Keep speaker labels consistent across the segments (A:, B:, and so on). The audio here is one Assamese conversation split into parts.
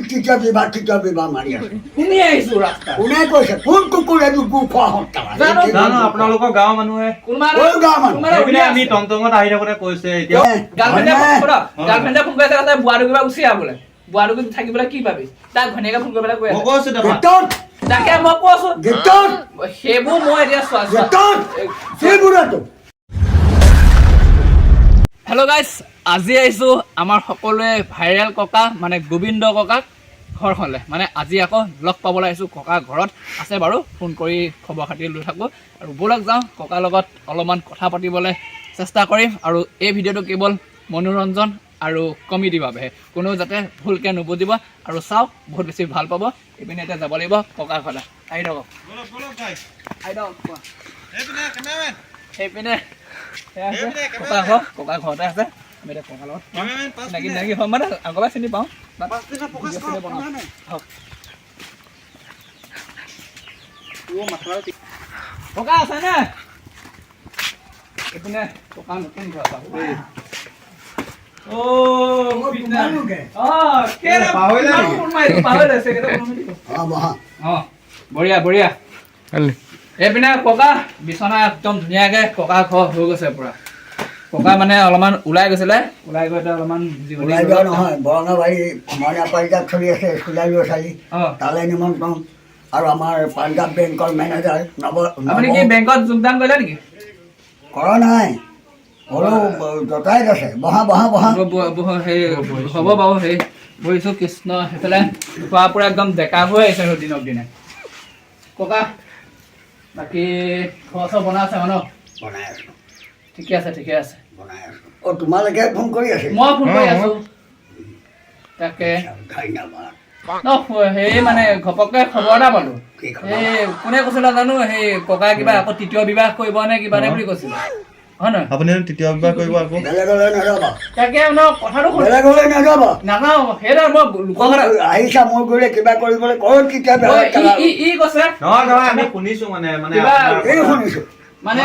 A: কিতাপ মাৰি আছে
B: শুনি আহিছো ৰাস্তা
A: কোনে কৈছে কোন কুকুৰে গু খোৱা হত্যা
C: জানো আপোনালোকৰ গাঁৱৰ মানুহে এইপিনে আমি টমটমত আহি থাকোতে কৈছে এতিয়া
B: গাৰ্লফ্ৰেণ্ডে ফোন কৰি আছে বুঢ়াটো কিবা গুচি আহ বোলে বুঢ়াটো থাকিবলৈ কি পাবি তাক ঘনীয়াকে ফোন কৰি পেলাই কৈ
C: মই কৈছো দেখোন
B: তাকে মই কৈছো সেইবোৰ মই এতিয়া চোৱা হেল্ল' গাইজ আজি আহিছোঁ আমাৰ সকলোৱে ভাইৰেল ককা মানে গোবিন্দ ককাক ঘৰখনলৈ মানে আজি আকৌ লগ পাবলৈ আহিছোঁ ককা ঘৰত আছে বাৰু ফোন কৰি খবৰ খাতি লৈ থাকোঁ আৰু ব'লক যাওঁ ককাৰ লগত অলপমান কথা পাতিবলৈ চেষ্টা কৰিম আৰু এই ভিডিঅ'টো কেৱল মনোৰঞ্জন আৰু কমেডিৰ বাবেহে কোনো যাতে ভুলকৈ নুবুজিব আৰু চাওক বহুত বেছি ভাল পাব এইপিনে এতিয়া যাব লাগিব ককাৰ ঘৰলৈ আহি থাকক সেইপিনে ককা ঘৰতে আছে আমি এতিয়া ককাৰ লগত চিনাকি হ'ম মানে আগৰপৰাই চিনি পাওঁ ককা আছেনে এইপিনে ককা নতুন ঘৰ বঢ়িয়া বঢ়িয়া এইপিনে ককা বিচনা একদম ধুনীয়াকে ককা ঘৰ হৈ গৈছে পুৰা ককা মানে অলপমান ওলাই গৈছিলে ওলাই গৈ অলপমান
A: নহয় বৰঙাবাৰী মইনা পাৰিজাত চলি আছে স্কুলীয়া ল'ৰা ছোৱালী তালৈ নিমন্ত্ৰণ আৰু আমাৰ পাঞ্জাৱ বেংকৰ মেনেজাৰ
B: আপুনি কি বেংকত যোগদান কৰিলে নেকি
A: কৰা নাই হ'লেও জতাই আছে বহা
B: সেই হ'ব বাৰু সেই বহিছোঁ কৃষ্ণ সেইফালে খোৱা পুৰা একদম ডেকা হৈ আহিছে আৰু দিনক দিনে ককা বাকী খোৱা চোৱা বনাই আছে ন
A: বনাই আছোঁ
B: ঠিকে আছে
A: বনাই আছোঁ তোমালোকে ফোন কৰি আছে
B: মই ফোন কৰি আছোঁ তাকে
A: ধন্যবাদ
B: সেই মানে ঘপককৈ খবৰ এটা পালোঁ এই কোনে কৈছিলে জানো সেই ককা কিবা আকৌ তৃতীয় বিবাহ কৰিব নে কিবা নে বুলি কৈছিলে হয় নহয়
C: আপুনি তৃতীয় বিবাহ কৰিব আকৌ
A: বেলেগলৈ নাযাবা
B: তাকে কথাটো
A: বেলেগলৈ নাযাবা
B: নাযাওঁ সেইটো মই লোকৰ
A: আহিছা মোৰ গ'লে কিবা কৰিবলৈ ক'ত কিতাপ
B: ই কৈছে
C: নহয় আমি শুনিছো মানে
A: শুনিছো
B: মানে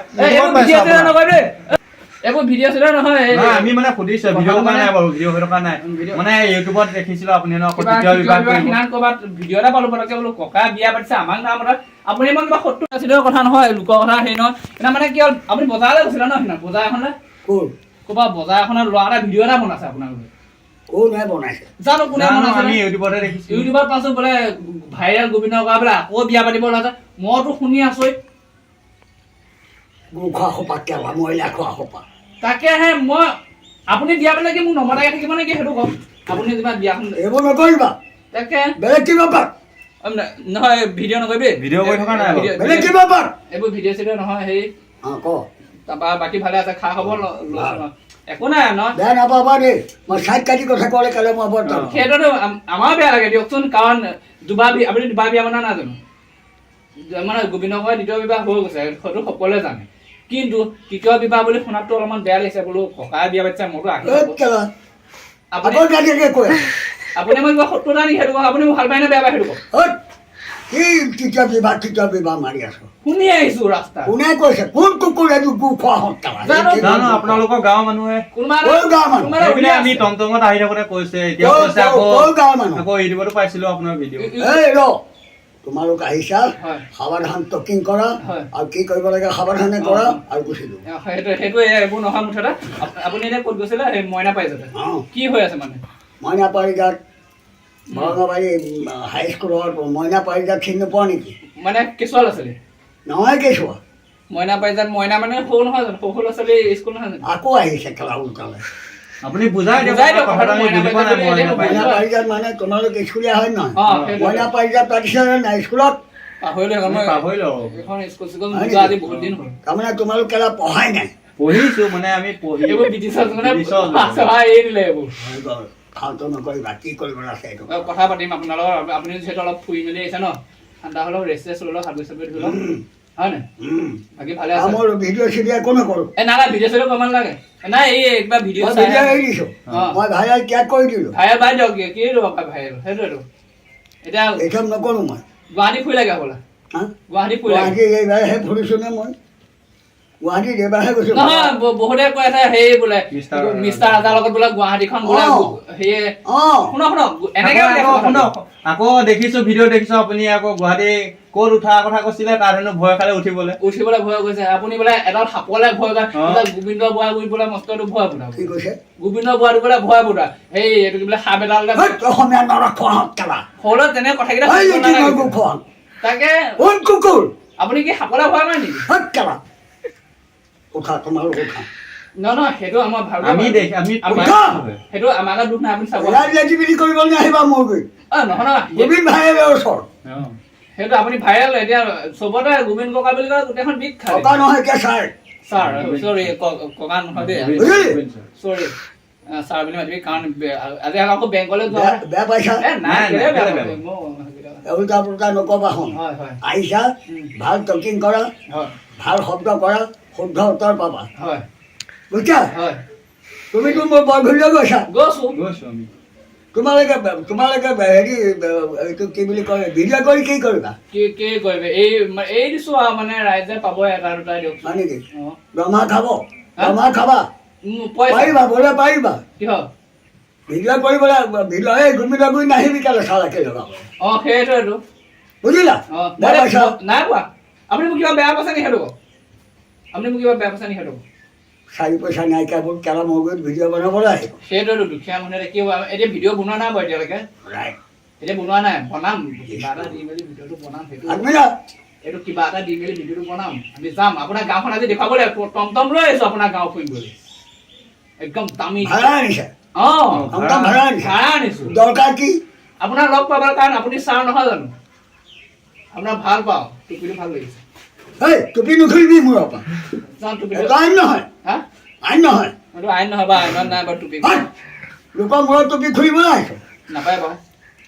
B: এইবোৰ ভিডিঅ' চিডিঅ' নহয়
C: আমি মানে সুধিছো ভিডিঅ' থকা নাই বাৰু ভিডিঅ' হৈ থকা নাই মানে ইউটিউবত দেখিছিলো আপুনি
B: ক'ৰবাত ভিডিঅ' এটা পালো পটককে বোলো ককা বিয়া পাতিছে আমাক নাম আপুনি ইমান কিবা 70-80 কথা নহয় লোকৰ কথা হেৰি নহয় সেইদিনা মানে কি হ'ল আপুনি বজাৰলৈ গৈছিলে ন সেইদিনা বজাৰ এখনলৈ ক'ৰবাত বজাৰ এখনত ল'ৰা এটা ভিডিঅ' এটা বনাইছে আপোনালোকে জানো কোনে বনাইছে
C: আমি ইউটিউবতে দেখিছো
B: ইউটিউবত পাইছো বোলে ভাইৰেল গোবিন্দ ককা বোলে আকৌ বিয়া পাতিব ওলাইছে মইতো শুনি আছো তাকেহে মই আপুনি বিয়া পাতিলে কি মোক নমতাকে থাকিব নেকি সেইটো কওক আপুনি কিবা বিয়াখন
A: এইবোৰ নকৰিবা
B: তাকে
A: বেলেগ কিবা পাত
B: নহয় ভিডিঅ' নকৰিবি
C: ভিডিঅ' কৰি থকা নাই
A: বেলেগ কিবা পাত
B: এইবোৰ ভিডিঅ' চিডিঅ' নহয় হেৰি তাৰপৰা বাকী ভালে আছে খা খবৰ একো নাই ন
A: বেয়া নাপাবা দেই মই চাইড কাটি কথা ক'লে কাইলৈ মই বৰ
B: সেইটোতো আমাৰ বেয়া লাগে দিয়কচোন কাৰণ আপুনি দুবাৰ বিয়া বনা নাজানো মানে গোবিন্দ ককাই দ্বিতীয় বিবাহ হৈ গৈছে সেইটো সকলোৱে জানে কিন্তু তৃতীয় বিবাহ বুলি শুনাতো অলপমান বেয়া লাগিছে বোলো ককাই বিয়া পাতিছে মোৰতো আপুনি মই কিবা 70 নেকি সেইটো আপুনি ভাল পায় নে বেয়া পায় সেইটো কওক
A: কিতাপ মাৰি আছো
B: শুনি আহিছো ৰাস্তা
A: কোনে কৈছে কোন কুকুৰে গু খোৱা হত্যা
C: জানো আপোনালোকৰ গাঁৱৰ মানুহে এইপিনে আমি টমটমত আহি থাকোতে কৈছে এতিয়া কৈছে আকৌ ইউটিউবতো পাইছিলো আপোনাৰ ভিডিঅ'
A: তোমালোক আহিছা সাৱধান টকিং কৰা আৰু কি কৰিব লাগে সাৱধানে কৰা আৰু গুচি দিওঁ
B: সেইটো এইবোৰ নহয় মুঠতে আপুনি এতিয়া ক'ত গৈছিলে সেই মইনা পাৰিজাত কি হৈ আছে মানে
A: মইনা পাৰিজাত বৰঙাবাৰী হাইস্কুলৰ মইনা পাৰিজাত চিনি নোপোৱা নেকি
B: মানে কেঁচুৱা ল'ৰা ছোৱালী
A: নহয় কেঁচুৱা
B: মইনা পাৰিজাত মইনা মানে সৰু নহয় জানো সৰু ল'ৰা ছোৱালী স্কুল নহয় জানো
A: আকৌ আহিছে খেলা উল্টালে
C: আপুনি বুজাই দিয়ক
A: মইনা পাৰিজাত মানে তোমালোক স্কুলীয়া হয় নহয় মইনা পাৰিজাত পাতিছে নাই স্কুলত তাৰমানে তোমালোক কেলা পঢ়াই নাই
C: পঢ়িছো মানে আমি
A: ফাল্টু নকৰিবা কি কৰিব আছে এইটো
B: কথা পাতিম আপোনাৰ লগত আপুনি যিহেতু অলপ ফুৰি মেলি আহিছে ন ঠাণ্ডা হ'লেও ৰেষ্ট লৈ লওক হাত চাবি ধৰি লওক হয় নাই বাকী ভালে আছে
A: মোৰ ভিডিঅ' চিডিঅ' একো নকৰোঁ
B: নাই ভিডিঅ' চিডিঅ' কৰিব নালাগে নাই এই কিবা ভিডিঅ'
A: এৰি দিছোঁ মই ভাইৰেল ত্যাগ কৰি দিলোঁ
B: ভাইৰেল বাই দিয়ক কি ভাইৰেল সেইটোৱেতো এতিয়া
A: এইচব নকৰোঁ মই
B: গুৱাহাটী ফুৰি লাগে হ'বলা গুৱাহাটী ফুৰি
A: এইবাৰহে ফুৰিছোঁ নে মই গুৱাহাটীত এইবাৰহে গৈছো
B: নহয় বহুতে কৈ আছে সেই বোলে মিষ্টাৰ ৰাজাৰ লগত বোলে গুৱাহাটীখন বোলে সেয়ে শুনক এনেকে
C: শুনক আকৌ দেখিছো ভিডিঅ' দেখিছো আপুনি আকৌ গুৱাহাটী ক'ত উঠাৰ কথা কৈছিলে তাৰ হেনো ভয় খালে উঠিবলৈ
B: ভয় কৰিছে আপুনি বোলে এডাল সাপলে ভয় কৰে গোবিন্দ বুঢ়া গুৰি বোলে মস্তটো ভয় বুঢ়া
A: কি কৈছে
B: গোবিন্দ বুঢ়াটো বোলে ভয় বুঢ়া সেই এইটো কি বোলে সাপ এডাল
A: অসমীয়া নৰখোৱাহঁত কেলা
B: সৰু তেনে কথাকেইটা তাকে
A: কুকুৰ
B: আপুনি কি সাপলে ভয় কৰে নেকি
A: কেলা উঠা তোমালোক উঠা
B: নহয় সেইটো আমাৰ সেইটো আমাৰ দুখ নাই আপুনি চাব
A: কৰিব নাহিবা মোৰ গৈ
B: নহয়
A: গোবিন্দ ভাইৰে ওচৰ
B: সেইটো আপুনি ভাইৰেল এতিয়া চবতে গোবিন্দ ককা বুলি কয় গোটেইখন বিষ খায়
A: ককা নহয় এতিয়া ছাৰ
B: চৰি ককা নহয় দেই চৰি ছাৰ বুলি মাতিবি কাৰণ আজি আকৌ বেংকলৈ যোৱা
A: বেয়া পাইছা
B: নাই
A: উল্টা পুল্টা নকবা শুন আহিছা ভাল টকিং কৰা ভাল শব্দ কৰা শুদ্ধ উত্তৰ পাবা বুজিছা তুমিতো মোৰ বৰঘৰীয়া গৈছা তোমালোকে হেৰি এইটো কি বুলি কয় ভিডিঅ' কৰি কি কৰিবা
B: কি কৰিবে এই দিছো আৰু মানে ৰাইজে পাব এটা দুটা দিয়ক
A: হয় নেকি দৰমহা খাবা পাৰিবা বোলে পাৰিবা ভিডিঅ' কৰিবলৈ ভিডিঅ' এই ঘূমি নাহিবি কেলে চালাকে লগাব
B: সেইটোৱেতো
A: বুজিলা
B: নাই কোৱা আপুনি মোক কিবা বেয়া পাইছে নি সেইটো আপুনি মোক কিবা বেয়া পাইছে নি সেইটো
A: 4 পইচা নাইকিয়াবোৰ কেলা মগজুত ভিডিঅ' বনাবলৈ আহিব
B: সেইটোৱেতো দুখীয়া মানুহে কি এতিয়া ভিডিঅ' বনোৱা নাই বাৰু এতিয়ালৈকে এতিয়া বনোৱা নাই বনাম কিবা এটা দি মেলি ভিডিঅ'টো বনাম সেইটো এইটো কিবা এটা দি মেলি ভিডিঅ'টো বনাম আমি যাম আপোনাৰ গাঁওখন আজি দেখুৱাব লাগিব টমটম লৈ আহিছো আপোনাৰ গাঁও ফুৰিবলৈ একদম দামী
A: ভাড়া আনিছে
B: ভাড়া আনিছো
A: দৰকাৰ কি
B: আপোনাৰ লগ পাবৰ কাৰণ আপুনি ছাৰ নহয় জানো আপোনাৰ ভাল পাওঁ টুপিটো ভাল লাগিছে
A: টুপি নুখুলিবি মোৰ আইন নহয়
B: আইন নহয় বা আইনত নাই বাৰু টুপি
A: লোকৰ মূৰত টুপি খুলিবলৈ আহিছ
B: নাপায় বাৰু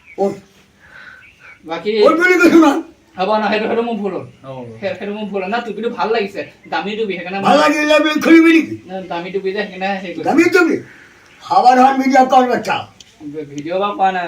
B: বাকী
A: বুলি কৈছো না
B: হ'ব ন সেইটো মোৰ ভুল হ'ল সেইটো মোৰ ভুল হ'ল না টুপিটো ভাল লাগিছে দামী টুপি সেইকাৰণে
A: ভাল লাগিলে বুলি খুলিবি নেকি
B: দামী টুপি যে সেইকাৰণে হেৰি
A: দামী টুপি সাৱধান ভিডিঅ' কৰ বাচ্চা
B: ভিডিঅ' বা কোৱা নাই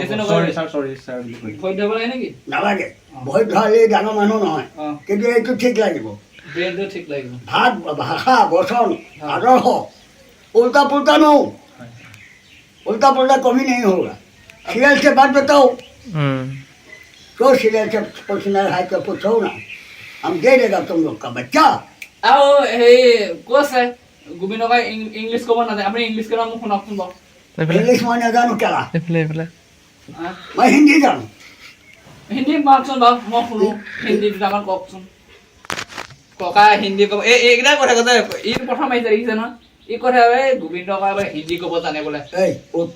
B: ভয় ধৰিব লাগে নেকি
A: নালাগে ভয় ধৰালে ডাঙৰ মানুহ নহয় কিন্তু এইটো ঠিক লাগিব
B: ব্ৰেইনটো ঠিক লাগিব
A: ভাত ভাষা বচন আদৰ্শ উল্টা পুল্টা নো उल्टा पुल्टा कभी नहीं होगा सीरियल से बात बताओ तो सीरियल से पूछना है तो पूछो ना हम दे देगा तुम लोग का बच्चा
B: आओ हे कोस है गोविंद का इंग्लिश को बना दे अपने इंग्लिश के नाम सुना सुन बा
A: इंग्लिश में ना जानू क्या
B: ले
A: मैं हिंदी जानू
B: हिंदी बात सुन बा मैं सुनो हिंदी ड्रामा को सुन कोका हिंदी को एकदा কথা কথা ই প্রথম আইছে দেখিছে না ই কথা গোবিন্দ কয় হিন্দী কব জানে বলে
A: এই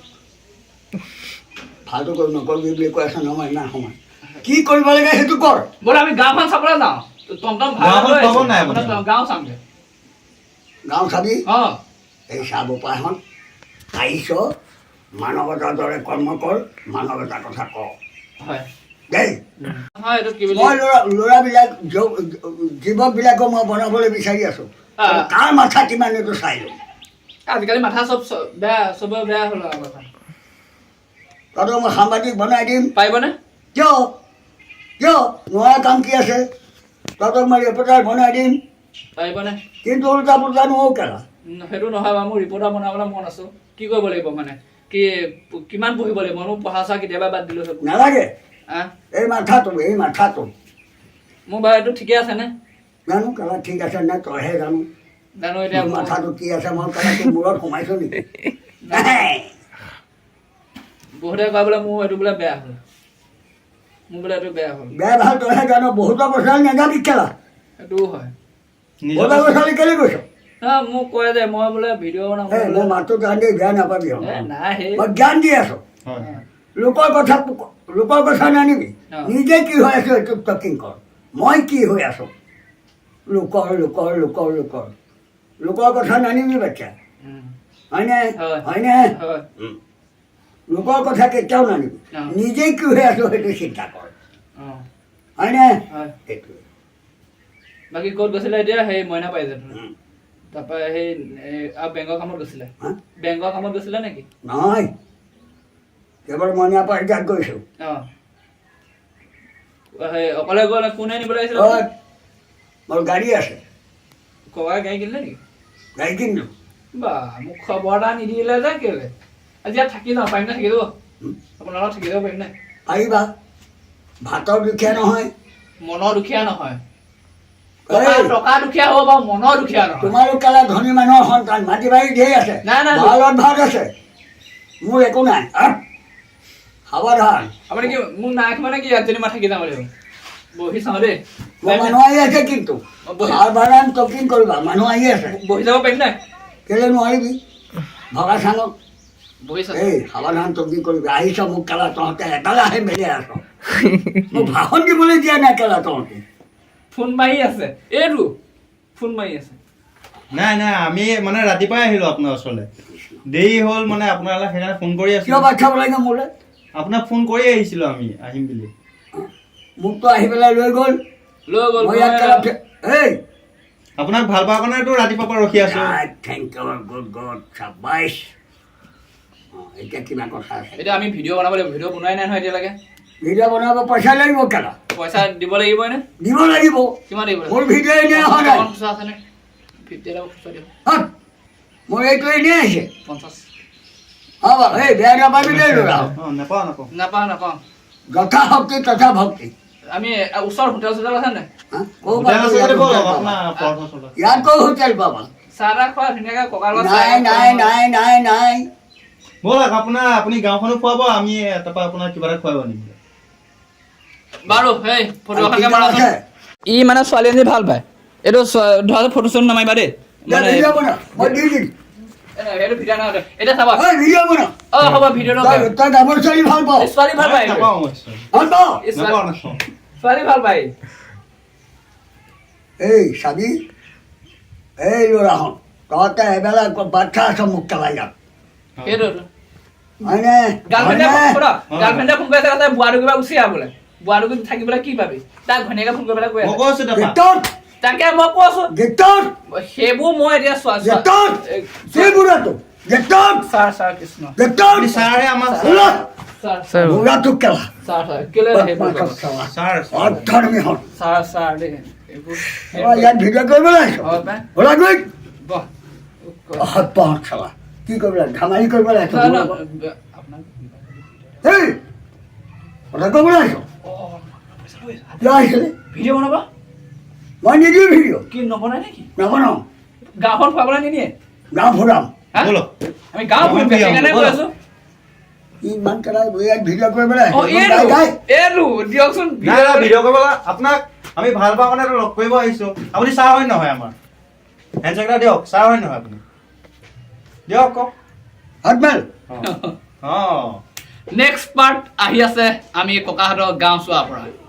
A: ফালতু কৰি নকৰিবি বুলি কৈ আছা নহয় না সময় কি কৰিব লাগে সেইটো কৰ
B: বলে আমি গাঁওখন চাবলৈ যাওঁ টমটম ভাড়া গাঁও চামগে
A: গাঁও চাবি
B: অ
A: এই চাব পাহন আহিছ মানৱতাৰ দৰে কৰ্ম কৰ মানৱতাৰ কথা ক
B: হয়
A: দেই
B: হয় এইটো কি বুলি
A: মই ল'ৰাবিলাক যুৱকবিলাকো মই বনাবলৈ বিচাৰি আছো কাৰ মাথা কিমান এইটো চাই লওঁ
B: আজিকালি মাথা চব বেয়া চবৰে বেয়া হ'ল কথা
A: তহঁতক মই সাংবাদিক বনাই দিম
B: পাৰিবনে
A: কিয় নোৱাৰা কাম কি আছে তহঁতক মই ৰিপৰ্টাৰ বনাই দিম
B: পাৰিবনে
A: কিন্তু উল্টা পুল্টা নহওঁ কেলা
B: সেইটো নহয় বাৰু মোৰ ৰিপৰ্টাৰ বনাবলৈ মন আছো কি কৰিব লাগিব মানে কি কিমান পঢ়িব লাগিব মই পঢ়া চোৱা কেতিয়াবা বাদ দিলোঁ চব
A: নালাগে এই মাথাটো
B: মোৰ বাৰু এইটো ঠিকে আছে নে
A: জানো কেলা ঠিক আছে নে তইহে জানো
B: জানো এতিয়া
A: মাথাটো কি আছে মই কেলা তোৰ মূৰত সোমাইছো নেকি
B: বহুতে কয় বোলে মোৰ এইটো বোলে বেয়া হ'ল মোৰ বোলে এইটো বেয়া হ'ল
A: বেয়া ভাল তইহে জানো বহুতৰ বছৰ নেযাবি কেলা
B: সেইটোও হয়
A: বহুতৰ বছৰলৈ কেলৈ গৈছ
B: মোক কয় যে মই বোলে ভিডিঅ' বনাম
A: মই মাতটো জানি বেয়া নাপাবি
B: নাই সেই
A: মই জ্ঞান দি আছো লোকৰ কথা নানিবি নিজে কি হৈ আছো এইটো টকিং কৰ মই কি হৈ আছো লোকৰ কথা নানিবি বাচ্চা হয়নে লোকৰ কথা কেতিয়াও নানিবি নিজে কি হৈ আছো সেইটো চিন্তা কৰ হয়নে সেইটোৱে
B: বাকী ক'ত গৈছিলে এতিয়া সেই মইনা পাই যায় তাৰপৰা সেই বেংকৰ কামত গৈছিলে বেংকৰ কামত গৈছিলে নেকি
A: নহয় কেৱল মইনা পাৰিজাত গৈছো
B: অকলে গ'লে কোনে নিবলৈ আহিছিলে
A: মোৰ গাড়ী আছে
B: ককাই গাড়ী কিনিলে নেকি
A: গাড়ী কিনিলো
B: বা মোক খবৰ এটা নিদিলে যে কেলে আজি ইয়াত থাকি যাওঁ পাৰিম নে থাকি যাব আপোনাৰ লগত থাকি যাব পাৰিম নে
A: পাৰিবা ভাতৰ দুখীয়া নহয়
B: মনৰ দুখীয়া নহয়
A: এই,
B: টকা দুখীয়া হ'ব বাৰু মনৰ দুখীয়া নহয়
A: তোমালোক কেলা ধনী মানুহৰ সন্তান মাটি বাৰী ধেৰ আছে
B: নাই, নাই।
A: ভালত ভাত আছে মোৰ একো নাই সাৱধান
B: আপুনি কি মোক নাই মানে কি ইয়াত যেনিবা থাকি যাম লাগিব বহি চাওঁ দেই
A: মোৰ মানুহ আহি আছে কিন্তু
B: বহি-
A: সাৱধান টকিং কৰিবা মানুহ আহি আছে
B: বহি যাব পাৰিম নে
A: কেলে নোৱাৰিবি ভগা চাঙত
B: বহি চাওঁ
A: এই সাৱধান টকিং কৰিবি আহিছ মোক কেলা তহঁতে এটালে আহি মেলি আছ মোক ভাষণ দিবলৈ দিয়া নাই কেলা তহঁতে
B: ফোন মাৰি আছে এইটো ফোন মাৰি আছে
C: নাই নাই আমি মানে ৰাতিপুৱাই আহিলো আপোনাৰ ওচৰলৈ দেৰি হ'ল মানে আপোনালৈ সেইকাৰণে ফোন কৰি
A: কিয়
C: আছিলো
A: বাচ্ছা লাগে মোলৈ
C: আপোনাক ফোন কৰি আহিছিলো আমি আহিম বুলি
A: মোকতো আহি পেলাই লৈ গ'ল
B: লৈ গ'ল
A: মই ইয়াত কেলা এই
C: আপোনাক ভাল পোৱাৰ কাৰণেতো ৰাতিপুৱাৰ পৰা ৰখি আছো
A: থেংক ইউ গুড গড চাবাইছ এতিয়া কিবা কথা আছে
B: এতিয়া আমি ভিডিঅ' বনাব লাগিব ভিডিঅ' বনোৱাই নাই নহয় এতিয়ালৈকে
A: ভিডিঅ' বনাব পইচা লাগিব কেলা
B: পইচা দিব লাগিব নে
A: দিব লাগিব
B: কিমান দিব
A: মোৰ ভিডিঅ' এনেই অহা নাই
B: খুচৰা আছেনে 50 টকা খুচৰা দিব
A: হত, মোৰ এইটো এনেই আহিছে
B: 50
A: হ'ব এই বেয়া নাপাবি দেই ল'ৰা
C: নাপাওঁ নাপাওঁ
B: নাপাওঁ নাপাওঁ
A: যথা শক্তি তথা ভক্তি
B: আমি ওচৰ হোটেল চোটেল আছে নাই
A: হা? ক'ৰ
C: হোটেল
A: পৰা
C: আছে
A: ইয়াত
C: যদি ব'লক,
A: হোটেল পাবা?
C: আপোনাৰ পৰঠা চৰঠা।
A: ইয়াত ক'ৰ হোটেল পাবা
B: চাহ তাহ খোৱা ধুনীয়াকৈ ককাৰ লগত
A: নাই নাই নাই নাই নাই
C: ব'লক আপুনি গাঁওখনো খুৱাব আমি তাৰপৰা আপোনাৰ কিবা এটা খুৱাব নিম
B: বাৰু সেই ফটো
A: আৰু
B: এখনকে
A: কিবা
B: মাৰাচোন
A: আছে?
B: ই মানে ছোৱালী এজনী ভাল পায় এইটো ধৰা ফটো চটো নামাৰিবা দেই
A: দে, ভিডিঅ' বনা মই দি দিম
B: এইটো ভিডিঅ' নহয় এতিয়া চাবা
A: ঐ ভিডিঅ' বনা
B: অ হ'ব ভিডিঅ'টো
A: তই ডাঙৰ ছোৱালী ভাল পাওঁ
B: ছোৱালী ভাল পায়
C: নাপাওঁ মই
A: ভাল পাওঁ
B: এই
C: নাপাওঁ নাপাওঁ
B: ছোৱালী ভাল পায়
A: এই চাবি এই ল'ৰাহঁত তহঁতে এবেলা বাচ্ছা আছ মোক কেলা ইয়াত
B: সেইটোতো
A: হয়নে
B: গাৰ্লফ্ৰেণ্ডে
A: হয়নে?
B: গাৰ্লফ্ৰেণ্ডে ফোন কৰি আছে বুঢ়াটো কিবা গুচি আহ বোলে বুঢ়াটো থাকিবলৈ কি পাবি তাক ঘনীয়াকে ফোন কৰি পেলাই কৈ
C: মই
B: আছে
C: কৈছো তাৰপৰা
A: গেটত
B: তাকে মই কৈছো
A: গেটত
B: সেইবোৰ মই এতিয়া চোৱা
A: গেটত সেই বুঢ়াটো গেটত
B: ছাৰ কৃষ্ণ
A: গেটত
C: আপুনি ছাৰহে আমাৰ
A: বুঢ়া
B: ছাৰ
A: বুঢ়াটো কেলা
B: ছাৰ কেলে সেইবোৰ কৰিব?
C: ছাৰ
A: অধৰ্মী হ'ল
B: ছাৰ দেই এইবোৰ
A: ইয়াত ভিডিঅ' কৰিবলৈ আহিছ
B: হয় পাই
A: ওলা গৈ
B: বহ
A: অসৎ খেলা কি কৰিবলৈ ধেমালি কৰিবলৈ আহিছ
B: নহয়,
A: মোৰ লগত?
B: নহয়, আপোনাক
A: এই কথা ক'বলৈ আহিছ কিয় আহিছিলে
B: ভিডিঅ' বনাব
A: মই নিদিওঁ ভিডিঅ'
B: কি নবনাই নেকি
A: নবনাওঁ
B: গাঁওখন ফুৰাবলৈ নিনিয়ে
A: গাঁও ফুৰাম
B: হা?
C: ব'লক
B: আমি গাঁও ফুৰিম সেইকাৰণে কৈ আছো
A: ইমান কেলা ইয়াত ভিডিঅ' কৰিবলৈ
B: অ
A: আহিছ
B: এইটো
A: গাই
B: এইটো দিয়কচোন
C: নাই নাই ভিডিঅ' কৰিব আপোনাক আমি ভাল পাওঁ কাৰণে লগ কৰিব আহিছো আপুনি ছাৰ হয় নহয় আমাৰ হেণ্ডছেক এটা দিয়ক ছাৰ হয় নহয় আপুনি দিয়ক কওক
A: হাতমেল
C: অঁ
B: নেক্সট পাৰ্ট আহি আছে আমি ককাহঁতৰ গাঁও চোৱাৰ পৰা